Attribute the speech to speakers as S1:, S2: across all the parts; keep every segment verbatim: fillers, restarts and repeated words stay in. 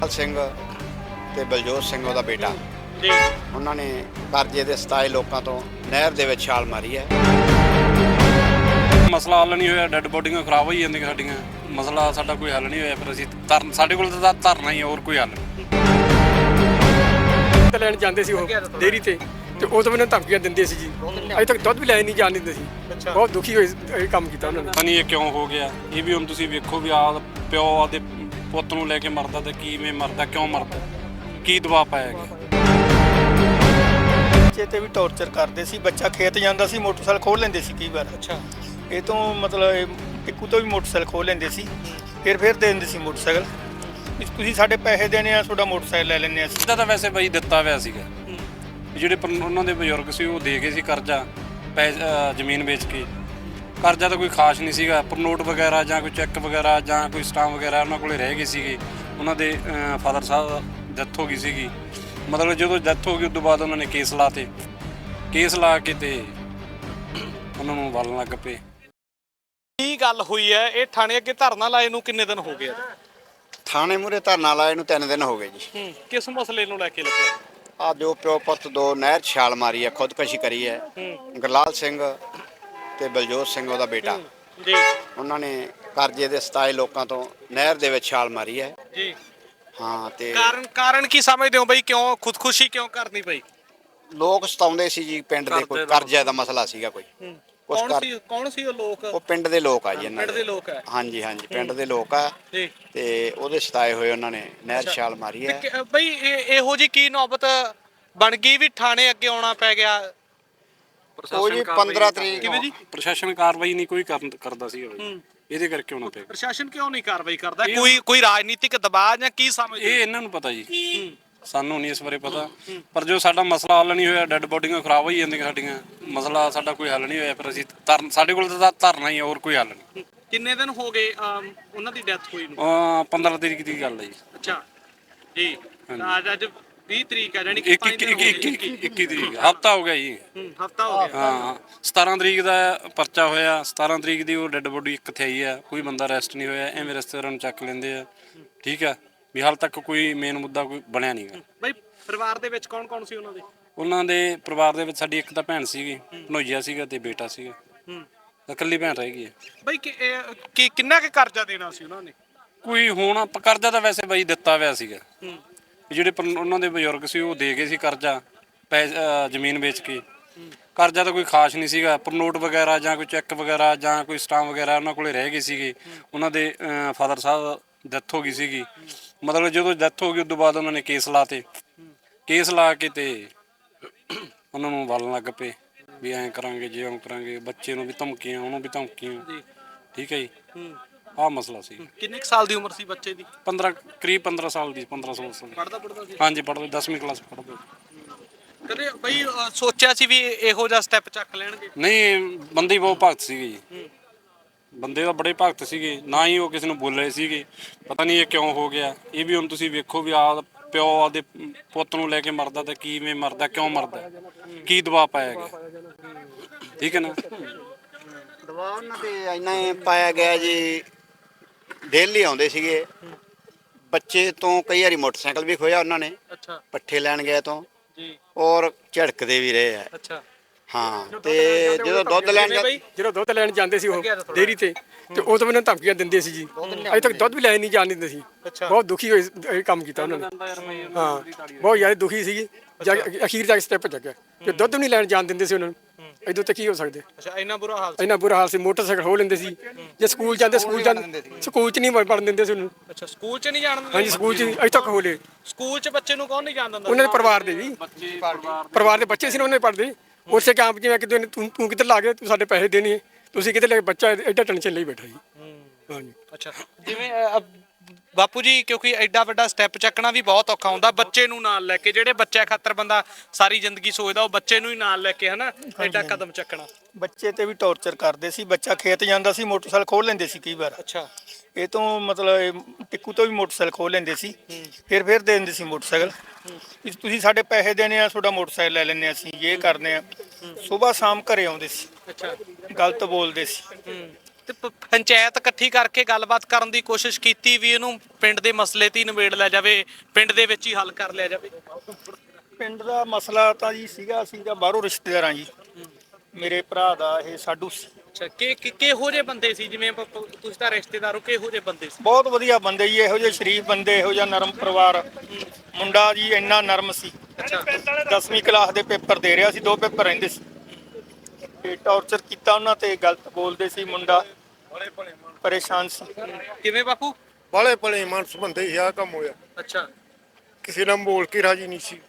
S1: ਸਿੰਘ ਤੇ ਬਲਜੋਤ ਸਿੰਘ ਉਹਦਾ ਬੇਟਾ
S2: ਜੀ
S1: ਉਹਨਾਂ ਨੇ ਕਰਜ਼ੇ ਦੇ ਸਤਾਏ ਲੋਕਾਂ ਤੋਂ ਨਹਿਰ ਦੇ ਵਿੱਚ ਛਾਲ ਮਾਰੀ ਹੈ।
S3: ਮਸਲਾ ਹੱਲ ਨਹੀਂ ਹੋਇਆ, ਡੈੱਡ ਬੋਡੀਆਂ ਖਰਾਬ ਹੋਈ ਜਾਂਦੀਆਂ ਸਾਡੀਆਂ। ਮਸਲਾ ਸਾਡਾ ਕੋਈ ਹੱਲ ਨਹੀਂ ਹੋਇਆ, ਫਿਰ ਅਸੀਂ ਧਰਨ ਸਾਡੇ ਕੋਲ ਤਾਂ ਧਰਨਾ ਹੀ ਹੈ, ਹੋਰ ਕੋਈ ਹੱਲ ਨਹੀਂ।
S4: ਦੁੱਧ ਲੈਣ ਜਾਂਦੇ ਸੀ ਉਹ ਡੇਅਰੀ ਤੇ ਤੇ ਉਹ ਤਾਂ ਮੈਨੂੰ ਧਮਕੀਆਂ ਦਿੰਦੇ ਸੀ ਜੀ। ਅਜੇ ਤੱਕ ਦੁੱਧ ਵੀ ਲੈ ਨਹੀਂ ਜਾਣ ਦਿੰਦੇ ਸੀ। ਬਹੁਤ ਦੁਖੀ ਹੋਏ ਇਹ ਕੰਮ ਕੀਤਾ ਉਹਨਾਂ ਨੇ।
S3: ਪਤਾ ਨਹੀਂ ਇਹ ਕਿਉਂ ਹੋ ਗਿਆ। ਇਹ ਵੀ ਹੁਣ ਤੁਸੀਂ ਵੇਖੋ ਵੀ ਆ ਪਿਓ ਆਦੇ ਪੁੱਤ ਨੂੰ ਲੈ ਕੇ ਮਰਦਾ ਤੇ ਕਿਵੇਂ ਮਰਦਾ, ਕਿਉਂ ਮਰਦਾ, ਕੀ ਦਬਾਅ ਪਾਇਆ ਗਿਆ।
S5: ਬੱਚੇ ਤੇ ਵੀ ਟੌਰਚਰ ਕਰਦੇ ਸੀ। ਬੱਚਾ ਖੇਤ ਜਾਂਦਾ ਸੀ, ਮੋਟਰਸਾਈਕਲ ਖੋਲ ਲੈਂਦੇ ਸੀ ਕਈ ਵਾਰ।
S2: ਅੱਛਾ
S5: ਇਹ ਤੋਂ ਮਤਲਬ ਟਿੱਕੂ ਤੋਂ ਵੀ ਮੋਟਰਸਾਈਕਲ ਖੋਲ ਲੈਂਦੇ ਸੀ, ਫਿਰ ਫਿਰ ਦੇ ਦਿੰਦੇ ਸੀ ਮੋਟਰਸਾਈਕਲ ਵੀ ਤੁਸੀਂ ਸਾਡੇ ਪੈਸੇ ਦੇਣੇ ਆ, ਤੁਹਾਡਾ ਮੋਟਰਸਾਈਕਲ ਲੈ ਲੈਂਦੇ ਆ ਅਸੀਂ।
S3: ਇਹਦਾ ਤਾਂ ਵੈਸੇ ਬਈ ਦਿੱਤਾ ਹੋਇਆ ਸੀਗਾ। ਜਿਹੜੇ ਪਰ- ਉਹਨਾਂ ਦੇ ਬਜ਼ੁਰਗ ਸੀ ਉਹ ਦੇ ਗਏ ਸੀ ਕਰਜ਼ਾ, ਪੈ ਅ, ਜ਼ਮੀਨ ਵੇਚ ਕੇ। ਕਰਜ਼ਾ ਤਾਂ ਕੋਈ ਖਾਸ ਨਹੀਂ ਸੀਗਾ, ਪਰ ਨੋਟ ਵਗੈਰਾ ਜਾਂ ਕੋਈ ਚੈੱਕ ਵਗੈਰਾ ਜਾਂ ਕੋਈ ਸਟਾਂਪ ਵਗੈਰਾ ਉਹਨਾਂ ਕੋਲੇ ਰਹਿ ਗਏ ਸੀਗੇ। ਉਹਨਾਂ ਦੇ ਫਾਦਰ ਸਾਹਿਬ ਡੈਥ ਹੋ ਗਈ ਸੀਗੀ। ਮਤਲਬ ਜਦੋਂ ਡੈਥ ਹੋ ਗਈ ਉਸ ਤੋਂ ਬਾਅਦ ਉਹਨਾਂ ਨੇ ਕੇਸ ਲਾਤੇ। ਕੇਸ ਲਾ ਕੇ ਤੇ ਉਹਨਾਂ ਨੂੰ ਵਲਣ ਲੱਗ ਪਏ।
S2: ਕੀ ਗੱਲ ਹੋਈ ਹੈ? ਇਹ ਥਾਣੇ ਅੱਗੇ ਧਰਨਾ ਲਾਏ ਨੂੰ ਕਿੰਨੇ ਦਿਨ ਹੋ ਗਏ?
S1: ਥਾਣੇ ਮੂਹਰੇ ਧਰਨਾ ਲਾਏ ਨੂੰ ਤਿੰਨ ਦਿਨ ਹੋ ਗਏ ਜੀ।
S2: ਹੂੰ ਕਿਸ ਮਸਲੇ ਨੂੰ ਲੈ ਕੇ ਲੱਗਿਆ?
S1: ਆ ਜੋ ਪਿਓ ਪੁੱਤ ਦੋ ਨਹਿਰ 'ਚ ਛਾਲ ਮਾਰੀ ਹੈ, ਖੁਦਕੁਸ਼ੀ ਕਰੀ ਹੈ। ਗੁਰਲਾਲ ਸਿੰਘ ਤੇ ਬਲਜੋਤ ਸਿੰਘ ਉਹਦਾ ਬੇਟਾ
S2: ਜੀ
S1: ਉਹਨਾਂ ਨੇ ਕਰਜ਼ੇ ਦੇ ਸਤਾਏ ਲੋਕਾਂ ਤੋਂ ਨਹਿਰ ਦੇ ਵਿੱਚ ਛਾਲ ਮਾਰੀ ਹੈ।
S2: ਜੀ
S1: ਹਾਂ ਤੇ
S2: ਕਾਰਨ ਕਾਰਨ ਕੀ ਸਮਝਦੇ ਹੋ ਬਈ, ਕਿਉਂ ਖੁਦਕੁਸ਼ੀ ਕਿਉਂ ਕਰਨੀ ਪਈ?
S1: ਲੋਕ ਸਤਾਉਂਦੇ ਸੀ ਜੀ, ਪਿੰਡ ਦੇ ਕੋਈ ਕਰਜ਼ੇ ਦਾ ਮਸਲਾ ਸੀਗਾ ਕੋਈ। ਕੁਛ
S2: ਕੌਣ
S1: ਕਰ
S2: ਸੀ ਕੌਣ ਸੀ ਉਹ ਲੋਕ?
S1: ਉਹ ਪਿੰਡ ਦੇ ਲੋਕ ਆ ਜੀ ਇਹਨਾਂ
S2: ਪਿੰਡ ਦੇ ਲੋਕ ਹੈ।
S1: ਹਾਂਜੀ ਹਾਂਜੀ ਪਿੰਡ ਦੇ ਲੋਕ ਆ
S2: ਜੀ
S1: ਤੇ ਉਹਦੇ ਸਤਾਏ ਹੋਏ ਉਹਨਾਂ ਨੇ ਨਹਿਰ 'ਚ ਛਾਲ ਮਾਰੀ ਹੈ।
S2: ਕਿ- ਬਈ ਇਹ ਇਹੋ ਜੀ ਕੀ ਨੌਬਤ ਬਣ ਗਈ ਵੀ ਥਾਣੇ ਅੱਗੇ ਆਉਣਾ ਪੈ ਗਿਆ?
S1: ਉਹ ਜੀ ਪੰਦਰਾਂ ਤਰੀਕ
S2: ਕਿਵੇਂ ਜੀ?
S3: ਪ੍ਰਸ਼ਾਸਨ ਕਾਰਵਾਈ ਨਹੀਂ ਕੋਈ ਕਰਨ- ਕਰਦਾ ਸੀ ਇਹਦੇ ਕਰਕੇ ਉਹਨਾਂ ਤੇ।
S2: ਪ੍ਰਸ਼ਾਸਨ ਕਿਉਂ ਨਹੀਂ ਕਾਰਵਾਈ ਕਰਦਾ? ਕੋਈ ਕੋਈ ਰਾਜਨੀਤਿਕ ਦਬਾਅ ਜਾਂ ਕੀ ਸਮਝਦੇ?
S3: ਇਹ ਇਹਨਾਂ ਨੂੰ ਪਤਾ ਜੀ, ਸਾਨੂੰ ਨਹੀਂ ਇਸ ਬਾਰੇ ਪਤਾ। ਪਰ ਜੋ ਸਾਡਾ ਮਸਲਾ ਹੱਲ ਨਹੀਂ ਹੋਇਆ, ਡੈੱਡ ਬੋਡੀਆਂ ਖਰਾਬ ਹੋਈ ਜਾਂਦੀਆਂ ਸਾਡੀਆਂ। ਮਸਲਾ ਸਾਡਾ ਕੋਈ ਹੱਲ ਨਹੀਂ ਹੋਇਆ, ਫਿਰ ਅਸੀਂ ਧਰਨ ਸਾਡੇ ਕੋਲ ਤਾਂ ਧਰਨਾ ਹੀ ਹੈ, ਹੋਰ ਕੋਈ ਹੱਲ ਨਹੀਂ।
S2: ਕਿੰਨੇ ਦਿਨ ਹੋ ਗਏ ਅਮ, ਉਹਨਾਂ ਦੀ ਡੈਥ ਹੋਈ ਨੂੰ?
S3: ਅਹ ਪੰਦਰਾਂ ਤਰੀਕ ਦੀ ਗੱਲ ਹੈ ਜੀ।
S2: ਅੱਛਾ ਜੀ ਤਾਂ ਅੱਜ ਅੱਜ ਵੀਹ ਤਰੀਕ ਹੈ, ਜਾਨੀ ਕਿ
S3: ਇੱਕ ਇੱਕ ਇੱਕ ਇੱਕ ਇੱਕੀ ਤਰੀਕ ਹਫਤਾ ਹੋ ਗਿਆ ਜੀ।
S2: ਹਫਤਾ ਹੋ ਗਿਆ।
S3: ਹਾਂ ਸਤਾਰਾਂ ਤਰੀਕ ਦਾ ਪਰਚਾ ਹੋਇਆ। ਸਤਾਰਾਂ ਤਰੀਕ ਦੀ ਉਹ ਡੈੱਡ ਬੋਡੀ ਕਿੱਥੇ ਆਈ ਆ, ਕੋਈ ਬੰਦਾ ਅਰੈਸਟ ਨਹੀਂ ਹੋਇਆ। ਐਵੇਂ ਰਿਸ਼ਤੇਦਾਰਾਂ ਨੂੰ ਚੱਕ ਲੈਂਦੇ ਆ। ਠੀਕ ਆ ਵੀ ਹਾਲ ਤੱਕ ਕੋਈ ਮੇਨ ਮੁੱਦਾ ਕੋਈ ਬਣਿਆ ਨਹੀਂਗਾ।
S2: ਬਈ ਪਰਿਵਾਰ ਦੇ ਵਿੱਚ ਕੌਣ ਕੌਣ ਸੀ ਉਹਨਾਂ ਦੇ?
S3: ਉਹਨਾਂ ਦੇ ਪਰਿਵਾਰ ਦੇ ਵਿੱਚ ਸਾਡੀ ਇੱਕ ਤਾਂ ਭੈਣ ਸੀਗੀ, ਭਣੋਈਆ ਸੀਗਾ ਤੇ ਬੇਟਾ ਸੀਗਾ।
S2: ਹੂੰ
S3: ਇਕੱਲੀ ਭੈਣ ਰਹਿ ਗਈ ਹੈ।
S2: ਬਈ ਕਿ ਇਹ- ਕਿ ਕਿੰਨਾ ਕੁ ਕਰਜ਼ਾ ਦੇਣਾ ਸੀ ਉਹਨਾਂ ਨੇ?
S3: ਕੋਈ ਹੁਣ ਕਰਜ਼ਾ ਤਾਂ ਵੈਸੇ ਬਈ ਦਿੱਤਾ ਹੋਇਆ ਸੀਗਾ।
S2: ਹੂੰ
S3: ਜਿਹੜੇ ਪਰ- ਉਹਨਾਂ ਦੇ ਬਜ਼ੁਰਗ ਸੀ ਉਹ ਦੇ ਗਏ ਸੀ ਕਰਜ਼ਾ, ਪੈ ਅ, ਜ਼ਮੀਨ ਵੇਚ ਕੇ। ਕਰਜ਼ਾ ਤਾਂ ਕੋਈ ਖਾਸ ਨਹੀਂ ਸੀਗਾ, ਪਰ ਨੋਟ ਵਗੈਰਾ ਜਾਂ ਕੋਈ ਚੈੱਕ ਵਗੈਰਾ ਜਾਂ ਕੋਈ ਸਟਾਂਪ ਵਗੈਰਾ ਉਹਨਾਂ ਕੋਲੇ ਰਹਿ ਗਏ ਸੀਗੇ। ਉਹਨਾਂ ਦੇ ਫਾਦਰ ਸਾਹਿਬ ਡੈਥ ਹੋ ਗਈ ਸੀਗੀ। ਮਤਲਬ ਜਦੋਂ ਡੈਥ ਹੋ ਗਈ ਉਸ ਤੋਂ ਬਾਅਦ ਉਹਨਾਂ ਨੇ ਕੇਸ ਲਾਤੇ। ਕੇਸ ਲਾ ਕੇ ਤੇ ਉਹਨਾਂ ਨੂੰ ਵਲਣ ਲੱਗ ਪਏ ਵੀ ਐਂ ਕਰਾਂਗੇ, ਜੇ ਐਂ ਕਰਾਂਗੇ। ਬੱਚੇ ਨੂੰ ਵੀ ਧਮਕੀਆਂ, ਉਹਨੂੰ ਵੀ ਧਮਕੀਆਂ। ਠੀਕ ਹੈ ਜੀ, ਆਹ ਮਸਲਾ ਸੀ।
S2: ਕਿੰਨੇ ਕੁ ਸਾਲ ਦੀ ਉਮਰ ਸੀ ਬੱਚੇ ਦੀ?
S3: ਪੰਦਰਾਂ ਕਰੀਬ ਪੰਦਰਾਂ ਸਾਲ ਦੀ, ਪੰਦਰਾਂ ਸੋਲਾਂ ਸਾਲ ਦੀ।
S2: ਪੜਦਾ ਪੜਦਾ ਸੀ?
S3: ਹਾਂਜੀ ਪੜ੍ਹਦੇ, ਦਸਵੀਂ ਕਲਾਸ ਪੜ੍ਹਦੇ।
S2: ਕਦੇ ਬਈ ਅ, ਸੋਚਿਆ ਸੀ ਵੀ ਇਹੋ ਜਿਹਾ ਸਟੈਪ ਚੱਕ ਲੈਣਗੇ?
S3: ਨਹੀਂ ਬੰਦੇ ਹੀ ਬਹੁਤ ਭਗਤ ਸੀਗੇ ਜੀ। ਬੰਦੇ ਤਾਂ ਬੜੇ ਭਗਤ ਸੀਗੇ, ਨਾ ਹੀ ਉਹ ਕਿਸੇ ਨੂੰ ਬੋਲ ਰਹੇ ਸੀਗੇ। ਪਤਾ ਨਹੀਂ ਇਹ ਕਿਉਂ ਹੋ ਗਿਆ। ਇਹ ਵੀ ਹੁਣ ਤੁਸੀਂ ਵੇਖੋ ਵੀ ਆ ਪਿਓ ਆਦੇ ਪੁੱਤ ਨੂੰ ਲੈ ਕੇ ਮਰਦਾ ਤੇ ਕਿਵੇਂ ਮਰਦਾ, ਕਿਉਂ ਮਰਦਾ, ਕੀ ਦਬਾਅ ਪਾਇਆ ਗਿਆ। ਠੀਕ ਹੈ ਨਾ।
S1: ਦਬਾਅ ਉਹਨਾਂ ਤੇ ਇੰਨਾ ਹੀ ਪਾਇਆ ਗਿਆ ਜੀ। ਡੇਲੀ ਆਉਂਦੇ ਸੀਗੇ ਬੱਚੇ ਤੋਂ, ਕਈ ਵਾਰੀ ਮੋਟਰਸਾਈਕਲ ਵੀ ਖੋਇਆ ਉਹਨਾਂ ਨੇ
S2: ਅੱਛਾ
S1: ਪੱਠੇ ਲੈਣ ਗਏ ਤੋਂ,
S2: ਜੀ
S1: ਔਰ ਝੜਕਦੇ ਵੀ ਰਹੇ ਆ।
S2: ਅੱਛਾ
S1: ਹਾਂ ਤੇ ਜਦੋਂ ਦੁੱਧ ਲੈਣ ਜਾ-
S4: ਜਦੋਂ ਦੁੱਧ ਲੈਣ ਜਾਂਦੇ ਸੀ ਉਹ ਡੇਅਰੀ ਤੇ ਤੇ ਉਹ ਤਾਂ ਮੈਨੂੰ ਧਮਕੀਆਂ ਦਿੰਦੇ ਸੀ ਜੀ। ਅਜੇ ਤੱਕ ਦੁੱਧ ਵੀ ਲੈ ਨਹੀਂ ਜਾਣ ਦਿੰਦੇ ਸੀ। ਬਹੁਤ ਦੁਖੀ ਹੋਏ ਇਹ ਕੰਮ ਕੀਤਾ ਉਹਨਾਂ ਨੇ। ਹਾਂ ਬਹੁਤ ਜ਼ਿਆਦਾ ਦੁਖੀ ਸੀਗੀ। ਜਾ ਕੇ ਅਖੀਰ ਜਾ ਕੇ ਸਟੈਪ ਚੱਕਿਆ ਕਿ ਦੁੱਧ ਵੀ ਨਹੀਂ ਲੈਣ ਜਾਣ ਦਿੰਦੇ ਸੀ ਉਹਨਾਂ ਨੂੰ। ਇਹਦੋਂ ਤੇ ਕੀ ਹੋ ਸਕਦੇ।
S2: ਅੱਛਾ ਇੰਨਾ ਬੁਰਾ ਹਾਲ ਸੀ?
S4: ਇੰਨਾ ਬੁਰਾ ਹਾਲ ਸੀ। ਮੋਟਰਸਾਈਕਲ ਖੋਹ ਲੈਂਦੇ ਸੀ। ਜੇ ਸਕੂਲ ਜਾਂਦੇ ਸਕੂਲ ਜਾਂਦੇ ਸਕੂਲ 'ਚ ਨਹੀਂ ਪੜ੍ਹਨ ਦਿੰਦੇ ਸੀ ਉਹਨੂੰ।
S2: ਅੱਛਾ ਸਕੂਲ 'ਚ ਨਹੀਂ ਜਾਣ ਦਿੰਦੇ?
S4: ਹਾਂਜੀ ਸਕੂਲ 'ਚ ਅਜੇ ਤੱਕ ਖੋਲੇ।
S2: ਸਕੂਲ 'ਚ ਬੱਚੇ ਨੂੰ ਕੌਣ ਨਹੀਂ ਜਾਣ ਦਿੰਦਾ?
S4: ਉਹਨਾਂ ਦੇ ਪਰਿਵਾਰ ਦੇ ਵੀ ਪਰਿਵਾਰ ਦੇ ਬੱਚੇ ਸੀ ਨਾ, ਉਹਨੇ ਪੜ੍ਹਦੇ ਉਸੇ ਕੰਮ ਜਿਵੇਂ ਕਿ ਤੂੰ ਤੂੰ ਕਿੱਧਰ ਲਾ ਕੇ ਤੂੰ ਸਾਡੇ ਪੈਸੇ ਦੇਣੇ, ਤੁਸੀਂ ਕਿੱਧਰ ਲੈ ਕੇ ਬੱਚਾ ਐਡਾ ਟੈਨਸ਼ਨ ਲਈ ਬੈਠਾ ਜੀ। ਹਾਂਜੀ
S2: ਅੱਛਾ ਜਿਵੇਂ ਅ, ਬਾਪੂ ਜੀ ਕਿਉਂਕਿ ਐਡਾ ਵੱਡਾ ਸਟੈਪ ਚੱਕਣਾ ਵੀ ਬਹੁਤ ਔਖਾ ਹੁੰਦਾ, ਬੱਚੇ ਨੂੰ ਨਾਲ ਲੈ ਕੇ। ਜਿਹੜੇ ਬੱਚੇ ਖਾਤਰ ਬੰਦਾ ਸਾਰੀ ਜ਼ਿੰਦਗੀ ਸੋਚਦਾ, ਉਹ ਬੱਚੇ ਨੂੰ ਹੀ ਨਾਲ ਲੈ ਕੇ ਹਨਾ ਐਡਾ ਕਦਮ ਚੱਕਣਾ।
S5: ਬੱਚੇ ਤੇ ਵੀ ਟੌਰਚਰ ਕਰਦੇ ਸੀ। ਬੱਚਾ ਖੇਤ ਜਾਂਦਾ ਸੀ, ਮੋਟਰਸਾਈਕਲ ਖੋਲ ਲੈਂਦੇ ਸੀ ਕਈ ਵਾਰ।
S2: ਅੱਛਾ
S5: ਇਹ ਤੋਂ ਮਤਲਬ ਟਿੱਕੂ ਤੋਂ ਵੀ ਮੋਟਰਸਾਈਕਲ ਖੋਲ ਲੈਂਦੇ ਸੀ, ਫਿਰ ਫਿਰ ਦੇ ਦਿੰਦੇ ਸੀ ਮੋਟਰਸਾਈਕਲ ਵੀ ਤੁਸੀਂ ਸਾਡੇ ਪੈਸੇ ਦੇਣੇ ਆ, ਤੁਹਾਡਾ ਮੋਟਰਸਾਈਕਲ ਲੈ ਲੈਂਦੇ ਆ ਅਸੀਂ, ਇਹ ਕਰਦੇ ਆ। ਸਵੇਰ ਸ਼ਾਮ ਘਰੇ ਆਉਂਦੇ ਸੀ,
S2: ਅੱਛਾ
S5: ਗਲਤ ਬੋਲਦੇ ਸੀ।
S2: ਤੇ ਪ- ਪੰਚਾਇਤ ਇਕੱਠੀ ਕਰਕੇ ਗੱਲਬਾਤ ਕਰਨ ਦੀ ਕੋਸ਼ਿਸ਼ ਕੀਤੀ ਵੀ ਇਹਨੂੰ ਪਿੰਡ ਦੇ ਮਸਲੇ ਤੇ ਹੀ ਨਿਬੇੜ ਲਿਆ ਜਾਵੇ, ਪਿੰਡ ਦੇ ਵਿੱਚ ਹੀ ਹੱਲ ਕਰ ਲਿਆ ਜਾਵੇ।
S5: ਪਿੰਡ ਦਾ ਮਸਲਾ ਤਾਂ ਜੀ ਸੀਗਾ ਅਸੀਂ ਤਾਂ ਬਾਹਰੋਂ ਰਿਸ਼ਤੇਦਾਰ ਹਾਂ ਜੀ, ਮੇਰੇ ਭਰਾ ਦਾ ਇਹ ਸਾਡੂ ਸੀ।
S2: ਅੱਛਾ, ਕਿ ਕਿ- ਕਿਹੋ ਜਿਹੇ ਬੰਦੇ ਸੀ? ਜਿਵੇਂ ਪ- ਪ- ਤੁਸੀਂ ਤਾਂ ਰਿਸ਼ਤੇਦਾਰ ਹੋ, ਕਿਹੋ ਜਿਹੇ ਬੰਦੇ ਸੀ?
S5: ਬਹੁਤ ਵਧੀਆ ਬੰਦੇ ਜੀ, ਇਹੋ ਜਿਹੇ ਸ਼ਰੀਫ ਬੰਦੇ, ਇਹੋ ਜਿਹਾ ਨਰਮ ਪਰਿਵਾਰ। ਮੁੰਡਾ ਜੀ ਇੰਨਾ ਨਰਮ ਸੀ,
S2: ਅੱਛਾ
S5: ਦਸਵੀਂ ਕਲਾਸ ਦੇ ਪੇਪਰ ਦੇ ਰਿਹਾ ਸੀ, ਦੋ ਪੇਪਰ ਰਹਿੰਦੇ ਸੀ ਤੇ ਟੌਰਚਰ ਕੀਤਾ ਉਹਨਾਂ ਤੇ, ਗਲਤ ਬੋਲਦੇ ਸੀ, ਮੁੰਡਾ ਪਰੇਸ਼ਾਨ ਸੀ।
S2: ਕਿਵੇਂ ਬਾਪੂ?
S6: ਬਾਲੇ ਭਲੇ ਮਾਨਸ ਬੰਦੇ ਸੀ, ਆਹ ਕੰਮ ਹੋਇਆ।
S2: ਅੱਛਾ
S6: ਕਿਸੇ ਨਾਲ ਬੋਲ ਕੇ ਰਾਜੀ ਨਹੀਂ ਸੀ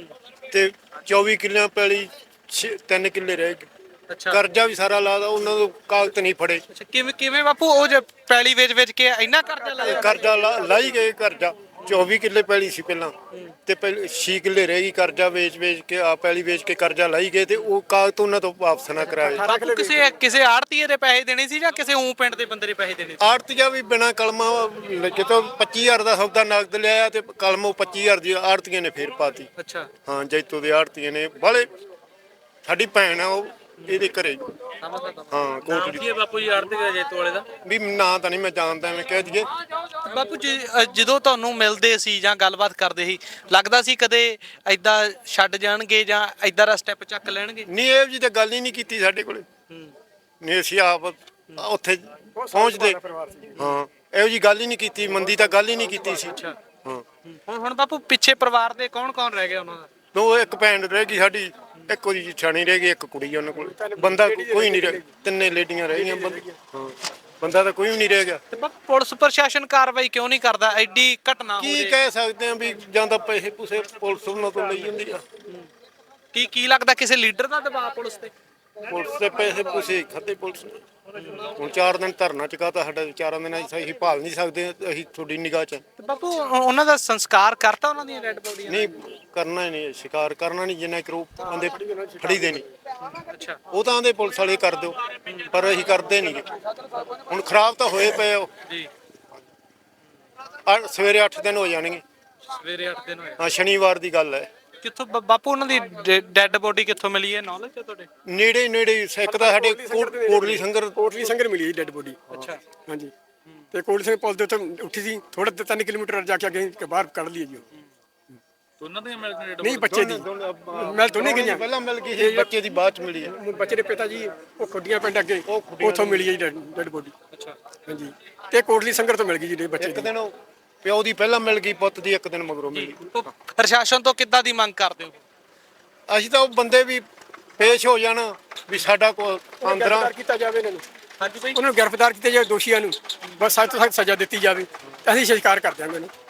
S6: ਤੇ ਚੌਵੀ ਕਿੱਲਿਆਂ ਪੈਲੀ ਛੇ- ਤਿੰਨ ਕਿੱਲੇ ਰਹਿ ਗਏ।
S2: ਅੱਛਾ
S6: ਕਰਜ਼ਾ ਵੀ ਸਾਰਾ ਲਾਦਾ, ਉਹਨਾਂ ਤੋਂ ਕਾਗਜ਼ ਨਹੀਂ ਫੜੇ।
S2: ਅੱਛਾ ਕਿਵੇਂ ਕਿਵੇਂ ਬਾਪੂ? ਉਹ ਜੇ ਪੈਲੀ ਵੇਚ ਵੇਚ ਕੇ ਇੰਨਾ ਕਰਜ਼ਾ ਲਾਇਆ?
S6: ਕਰਜ਼ਾ ਲਾ- ਲਾਈ ਗਏ ਕਰਜ਼ਾ। ਚੌਵੀ ਕਿੱਲੇ ਪੈਲੀ ਸੀ ਪਹਿਲਾਂ ਤੇ ਪਹਿਲੇ ਛੇ ਕਿੱਲੇ ਰਹਿ ਗਈ। ਕਰਜ਼ਾ ਵੇਚ ਵੇਚ ਕੇ ਆ ਪੈਲੀ ਵੇਚ ਕੇ ਕਰਜ਼ਾ ਲਾਈ ਗਏ ਤੇ ਉਹ ਕਾਗਜ਼ ਤੋਂ ਉਹਨਾਂ ਤੋਂ ਵਾਪਸ ਨਾ ਕਰਾਏ।
S2: ਬਾਪੂ ਕਿਸੇ ਕਿਸੇ ਆੜਤੀਏ ਦੇ ਪੈਸੇ ਦੇਣੇ ਸੀ ਜਾਂ ਕਿਸੇ ਉਂ ਪਿੰਡ ਦੇ ਬੰਦੇ ਦੇ ਪੈਸੇ ਦੇਣੇ ਸੀ?
S6: ਆੜਤੀਆ ਵੀ ਬਿਨਾਂ ਕਲਮਾਂ ਜਦੋਂ ਪੱਚੀ ਹਜ਼ਾਰ ਦਾ ਸੌਦਾ ਨਗਦ ਲਿਆ ਤੇ ਕਲਮੋਂ ਪੱਚੀ ਹਜ਼ਾਰ ਦੀ ਆੜਤੀਆਂ ਨੇ ਫੇਰ ਪਾਤੀ।
S2: ਅੱਛਾ
S6: ਹਾਂ, ਜੈਤੋ ਦੇ ਆੜਤੀਆਂ ਨੇ ਬਾਲੇ। ਸਾਡੀ ਭੈਣ ਆ ਉਹ, ਇਹਦੇ ਘਰੇ ਹਾਂ ਕੋਟਲੀ।
S2: ਬਾਪੂ ਜੀ ਆੜਤੀਏ ਜੇਤੂ ਵਾਲੇ ਦਾ
S6: ਵੀ ਨਾਂ ਤਾਂ ਨਹੀਂ ਮੈਂ ਜਾਣਦਾ, ਮੈਂ ਕਹਿ ਦਈਏ।
S2: ਬਾਪੂ ਜੀ ਅ, ਜਦੋਂ ਤੁਹਾਨੂੰ ਮਿਲਦੇ ਸੀ ਜਾਂ ਗੱਲਬਾਤ ਕਰਦੇ ਸੀ, ਲੱਗਦਾ ਸੀ ਕਦੇ ਐਦਾਂ ਛੱਡ ਜਾਣਗੇ ਜਾਂ ਐਦਾਂ ਦਾ ਸਟੈਪ ਚੱਕ ਲੈਣਗੇ?
S6: ਨਹੀਂ, ਇਹ ਜੀ ਤਾਂ ਗੱਲ ਹੀ ਨਹੀਂ ਕੀਤੀ ਸਾਡੇ ਕੋਲੇ। ਨਹੀਂ, ਅਸੀਂ ਆਪ ਉੱਥੇ ਪਹੁੰਚਦੇ ਹਾਂ, ਇਹੋ ਜੀ ਗੱਲ ਹੀ ਨਹੀਂ ਕੀਤੀ। ਮੰਦੀ ਤਾਂ ਗੱਲ ਹੀ ਨਹੀਂ ਕੀਤੀ ਸੀ। ਹਾਂ,
S2: ਹੁਣ ਹੁਣ ਬਾਪੂ ਪਿੱਛੇ ਪਰਿਵਾਰ ਦੇ ਕੌਣ ਕੌਣ ਰਹਿ ਗਿਆ ਉਹਨਾਂ ਦਾ?
S6: ਦੋ ਇੱਕ ਭੈਣ ਰਹਿ ਗਈ ਸਾਡੀ, ਇੱਕ ਉਹਦੀ ਛਾਣੀ ਰਹਿ ਗਈ, ਇੱਕ ਕੁੜੀ ਉਹਨਾਂ ਕੋਲ। ਬੰਦਾ ਕੋਈ ਨਹੀਂ ਰਹਿ, ਤਿੰਨੇ ਲੇਡੀਆਂ ਰਹਿ ਗਈਆਂ। ਬੰਦਾ ਹਾਂ, ਬੰਦਾ ਤਾਂ ਕੋਈ ਵੀ ਨਹੀਂ ਰਹਿ ਗਿਆ।
S2: ਤੇ ਬਾਪੂ ਪੁਲਿਸ ਪ੍ਰਸ਼ਾਸਨ ਕਾਰਵਾਈ ਕਿਉਂ ਨਹੀਂ ਕਰਦਾ? ਐਡੀ ਘਟਨਾ ਹੋ
S6: ਕੀ
S2: ਰਹੀ
S6: ਕਹਿ ਸਕਦੇ ਆ ਵੀ ਜਾਂ ਤਾਂ ਪੈਸੇ ਪੂਸੇ ਪੁਲਿਸ ਉਹਨਾਂ ਤੋਂ ਲਈ ਜਾਂਦੀ ਆ।
S2: ਕੀ ਕੀ ਲੱਗਦਾ ਕਿਸੇ ਲੀਡਰ ਦਾ ਦਬਾਅ ਪੁਲਿਸ ਤੇ?
S6: ਪੁਲਿਸ ਦੇ ਪੈਸੇ ਪੂਸੇ ਖਾਤੇ ਪੁਲਿਸ ਨੇ। ਹੁਣ ਚਾਰ ਦਿਨ ਧਰਨਾ ਚੁਕਾਤਾ ਸਾਡਾ, ਚਾਰਾਂ ਦਿਨਾਂ ਚ ਅਸੀਂ ਭਾਲ ਨਹੀਂ ਸਕਦੇ, ਅਸੀਂ ਤੁਹਾਡੀ ਨਿਗਾਹ ਚ।
S2: ਤੇ ਬਾਪੂ ਉਹ- ਉਹਨਾਂ ਦਾ ਸੰਸਕਾਰ ਕਰਤਾ, ਉਹਨਾਂ ਦੀਆਂ ਡੈਡ ਬੋਡੀਆਂ?
S6: ਨਹੀਂ ਕਰਨਾ ਹੀ ਨਹੀਂ, ਸ਼ਿਕਾਰ ਕਰਨਾ ਨਹੀਂ, ਜਿੰਨਾ ਕਰੋ ਬੰਦੇ ਫੜੀ ਦੇ ਨਹੀਂ।
S2: ਅੱਛਾ
S6: ਉਹ ਤਾਂ ਆਂਦੇ ਪੁਲਿਸ ਵਾਲੇ ਕਰ ਦਿਓ, ਪਰ ਅਸੀਂ ਕਰਦੇ ਨਹੀਂ। ਹੁਣ ਖਰਾਬ ਤਾਂ ਹੋਏ ਪਏ ਉਹ।
S2: ਜੀ
S6: ਅੱਠ- ਸਵੇਰੇ ਅੱਠ ਦਿਨ ਹੋ ਜਾਣਗੇ।
S2: ਸਵੇਰੇ ਅੱਠ ਦਿਨ ਹੋਏ।
S6: ਹਾਂ, ਸ਼ਨੀਵਾਰ ਦੀ ਗੱਲ ਹੈ।
S2: ਕਿੱਥੋਂ ਬ- ਬਾਪੂ ਉਹਨਾਂ ਦੀ ਡੈਡ ਬੋਡੀ ਕਿੱਥੋਂ ਮਿਲੀ ਹੈ? ਨੌਲੇਜ ਹੈ ਤੁਹਾਡੇ?
S6: ਨੇੜੇ ਨੇੜੇ ਇੱਕ ਤਾਂ ਸਾਡੇ ਕੋਟ- ਕੋਟਲੀ ਸੰਗਰ।
S4: ਕੋਟਲੀ ਸੰਗਰ ਮਿਲੀ ਡੈਡ ਬੋਡੀ।
S2: ਅੱਛਾ
S4: ਹਾਂਜੀ, ਤੇ ਕੋਟਲੀ ਸੰਗਰ ਪੁਲ ਦੇ ਉੱਤੇ ਉੱਠੀ ਸੀ, ਥੋੜਾ ਤਿੰਨ ਕਿਲੋਮੀਟਰ ਜਾ ਕੇ ਅੱਗੇ ਬਾਹਰ ਕੱਢ ਲਈ ਜੀ ਉਹ।
S2: ਦੋਨਾਂ ਦੀਆਂ ਮਿਲ ਗਈਆਂ?
S4: ਨਹੀਂ, ਬੱਚੇ ਦੀ ਮੈਂ ਦੋਨੇ ਗਈਆਂ।
S6: ਪਹਿਲਾਂ ਮਿਲ ਗਈ ਸੀ, ਬੱਚੇ ਦੀ ਬਾਅਦ ਚ ਮਿਲੀ ਹੈ।
S4: ਬੱਚੇ ਦੇ ਪਿਤਾ ਜੀ ਉਹ ਖੁੱਡੀਆਂ ਪਿੰਡ ਅੱਗੇ, ਉੱਥੋਂ ਮਿਲੀ ਹੈ ਡੈਡ ਬੋਡੀ।
S2: ਅੱਛਾ
S4: ਹਾਂਜੀ, ਤੇ ਕੋਟਲੀ ਸੰਗਰ ਤੋਂ ਮਿਲ ਗਈ ਜੀ ਬੱਚੇ
S6: ਇੱਕ
S4: ਦੀ।
S6: ਦਿਨ ਉਹ ਪਿਓ ਦੀ ਪਹਿਲਾਂ ਮਿਲ ਗਈ, ਪੁੱਤ ਦੀ ਇੱਕ ਦਿਨ ਮਗਰੋਂ ਮਿਲ ਗਈ।
S2: ਤੋ ਪ੍ਰਸ਼ਾਸਨ ਤੋਂ ਕਿੱਦਾਂ ਦੀ ਮੰਗ ਕਰਦੇ ਹੋ?
S6: ਅਸੀਂ ਤਾਂ ਉਹ ਬੰਦੇ ਵੀ ਪੇਸ਼ ਹੋ ਜਾਣ ਵੀ ਸਾਡਾ ਕੋ ਅੰਦਰਾਂ
S4: ਗ੍ਰਿਫਤਾਰ ਕੀਤਾ ਜਾਵੇ ਇਹਨਾਂ ਨੂੰ।
S2: ਹਾਂਜੀ ਭਾਈ।
S4: ਉਹਨਾਂ ਨੂੰ ਗ੍ਰਿਫਤਾਰ ਕੀਤਾ ਜਾਵੇ, ਦੋਸ਼ੀਆਂ ਨੂੰ ਬਸ ਸਖਤ ਤੋਂ ਸਖਤ ਸਜ਼ਾ ਦਿੱਤੀ ਜਾਵੇ। ਅਸੀਂ ਸ਼ਿਕਾਰ ਕਰ ਦਿਆਂਗੇ ਇਹਨੂੰ।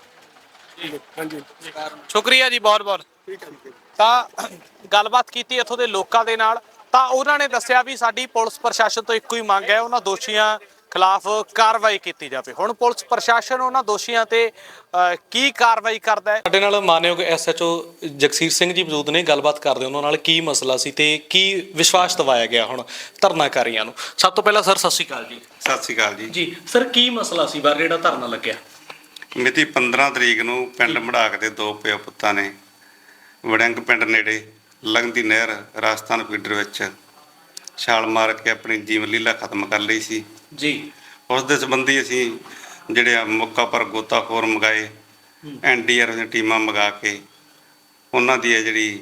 S4: ਹਾਂਜੀ,
S2: ਸ਼ੁਕਰੀਆ ਜੀ ਬਹੁਤ ਬਹੁਤ।
S4: ਠੀਕ ਹੈ ਜੀ।
S2: ਤਾਂ ਗੱਲਬਾਤ ਕੀਤੀ ਇੱਥੋਂ ਦੇ ਲੋਕਾਂ ਦੇ ਨਾਲ, ਤਾਂ ਉਹਨਾਂ ਨੇ ਦੱਸਿਆ ਵੀ ਸਾਡੀ ਪੁਲਿਸ ਪ੍ਰਸ਼ਾਸਨ ਤੋਂ ਇੱਕੋ ਹੀ ਮੰਗ ਹੈ, ਉਹਨਾਂ ਦੋਸ਼ੀਆਂ ਖਿਲਾਫ ਕਾਰਵਾਈ ਕੀਤੀ ਜਾਵੇ। ਹੁਣ ਪੁਲਿਸ ਪ੍ਰਸ਼ਾਸਨ ਉਹਨਾਂ ਦੋਸ਼ੀਆਂ ਤੇ ਅ, ਕੀ ਕਾਰਵਾਈ ਕਰਦਾ ਹੈ? ਸਾਡੇ ਨਾਲ ਮਾਨਯੋਗ ਐਸਐਚਓ ਜਗਸੀਰ ਸਿੰਘ ਜੀ ਮੌਜੂਦ ਨੇ, ਗੱਲਬਾਤ ਕਰਦੇ ਉਹਨਾਂ ਨਾਲ ਕੀ ਮਸਲਾ ਸੀ ਤੇ ਕੀ ਵਿਸ਼ਵਾਸ ਦਿਵਾਇਆ ਗਿਆ ਹੁਣ ਧਰਨਾਕਾਰੀਆਂ ਨੂੰ। ਸਭ ਤੋਂ ਪਹਿਲਾਂ ਸਰ ਸਤਿ ਸ਼੍ਰੀ ਅਕਾਲ ਜੀ।
S7: ਸਤਿ ਸ਼੍ਰੀ ਅਕਾਲ ਜੀ।
S2: ਜੀ ਸਰ, ਕੀ ਮਸਲਾ ਸੀ ਬਾਰੇ ਜਿਹੜਾ ਧਰਨਾ ਲੱਗਿਆ?
S7: ਮਿਤੀ ਪੰਦਰਾਂ ਤਰੀਕ ਨੂੰ ਪਿੰਡ ਮੜਾਕ ਦੇ ਦੋ ਪਿਓ ਪੁੱਤਾਂ ਨੇ ਵੜਿੰਗ ਪਿੰਡ ਨੇੜੇ ਲੰਘਦੀ ਨਹਿਰ ਰਾਜਸਥਾਨ ਫੀਡਰ ਵਿੱਚ ਛਾਲ ਮਾਰ ਕੇ ਆਪਣੀ ਜੀਵਨ ਲੀਲਾ ਖਤਮ ਕਰ ਲਈ ਸੀ
S2: ਜੀ।
S7: ਉਸ ਦੇ ਸੰਬੰਧੀ ਅਸੀਂ ਜਿਹੜੇ ਆ ਮੌਕਾ ਪਰ ਗੋਤਾਖੋਰ ਮੰਗਾਏ, ਐਨ ਡੀ ਆਰ ਦੀਆਂ ਟੀਮਾਂ ਮੰਗਾ ਕੇ ਉਹਨਾਂ ਦੀ ਹੈ ਜਿਹੜੀ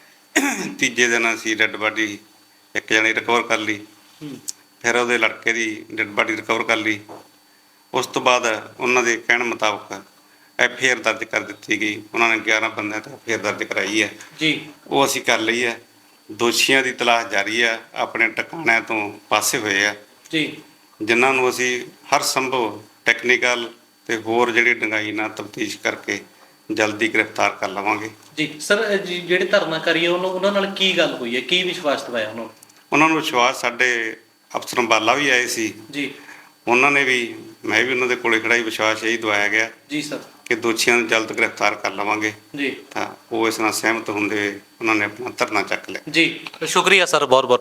S7: ਤੀਜੇ ਦਿਨ ਅਸੀਂ ਡੈੱਡ ਬਾਡੀ ਇੱਕ ਜਣੀ ਰਿਕਵਰ ਕਰ ਲਈ। ਫਿਰ ਉਹਦੇ ਲੜਕੇ ਦੀ ਡੈੱਡ ਬਾਡੀ ਰਿਕਵਰ ਕਰ ਲਈ। ਉਸ ਤੋਂ ਬਾਅਦ ਉਹਨਾਂ ਦੇ ਕਹਿਣ ਮੁਤਾਬਕ ਐਫ ਆਈ ਆਰ ਦਰਜ ਕਰ ਦਿੱਤੀ ਗਈ। ਉਹਨਾਂ ਨੇ ਗਿਆਰਾਂ ਬੰਦਿਆਂ ਤੇ ਐਫ ਆਈ ਆਰ ਦਰਜ ਕਰਾਈ ਹੈ
S2: ਜੀ।
S7: ਉਹ ਅਸੀਂ ਕਰ ਲਈ ਹੈ। ਦੋਸ਼ੀਆਂ ਦੀ ਤਲਾਸ਼ ਜਾਰੀ ਹੈ, ਆਪਣੇ ਟਿਕਾਣਿਆਂ ਤੋਂ ਪਾਸੇ ਹੋਏ ਆ
S2: ਜੀ।
S7: ਜਿਨ੍ਹਾਂ ਨੂੰ ਅਸੀਂ ਹਰ ਸੰਭਵ ਟੈਕਨੀਕਲ ਤੇ ਹੋਰ ਜਿਹੜੀ ਡੂੰਘਾਈ ਨਾਲ ਤਫਤੀਸ਼ ਕਰਕੇ ਜਲਦੀ ਗ੍ਰਿਫਤਾਰ ਕਰ ਲਵਾਂਗੇ।
S2: ਜੀ ਸਰ, ਜਿਹੜੇ ਧਰਨਾਕਾਰੀ ਉਹਨਾਂ ਉਹਨਾਂ ਨਾਲ ਕੀ ਗੱਲ ਹੋਈ ਹੈ, ਕੀ ਵਿਸ਼ਵਾਸ ਦਿਵਾਇਆ ਉਹਨਾਂ ਨੂੰ?
S7: ਉਹਨਾਂ ਨੂੰ ਵਿਸ਼ਵਾਸ, ਸਾਡੇ ਅਫਸਰ ਅੰਬਾਲਾ ਵੀ ਆਏ ਸੀ
S2: ਜੀ।
S7: ਉਹਨਾਂ ਨੇ ਵੀ, ਮੈਂ ਵੀ ਉਹਨਾਂ ਦੇ ਕੋਲੇ ਖੜਾ ਹੀ ਵਿਸ਼ਵਾਸ ਇਹੀ ਦਵਾਇਆ ਗਿਆ
S2: ਜੀ ਸਰ।
S7: ਕਿ ਦੋਸ਼ੀਆਂ ਨੂੰ ਜਲਦ ਗ੍ਰਿਫਤਾਰ ਕਰ ਲਵਾਂਗੇ।
S2: ਜੀ।
S7: ਤਾਂ ਉਹ ਇਸ ਨਾਲ ਸਹਿਮਤ ਹੁੰਦੇ ਹੋਏ ਉਹਨਾਂ ਨੇ ਆਪਣਾ ਧਰਨਾ ਚੱਕ ਲਿਆ।
S2: ਜੀ ਸ਼ੁਕਰੀਆ ਸਰ, ਬਹੁਤ ਬਹੁਤ।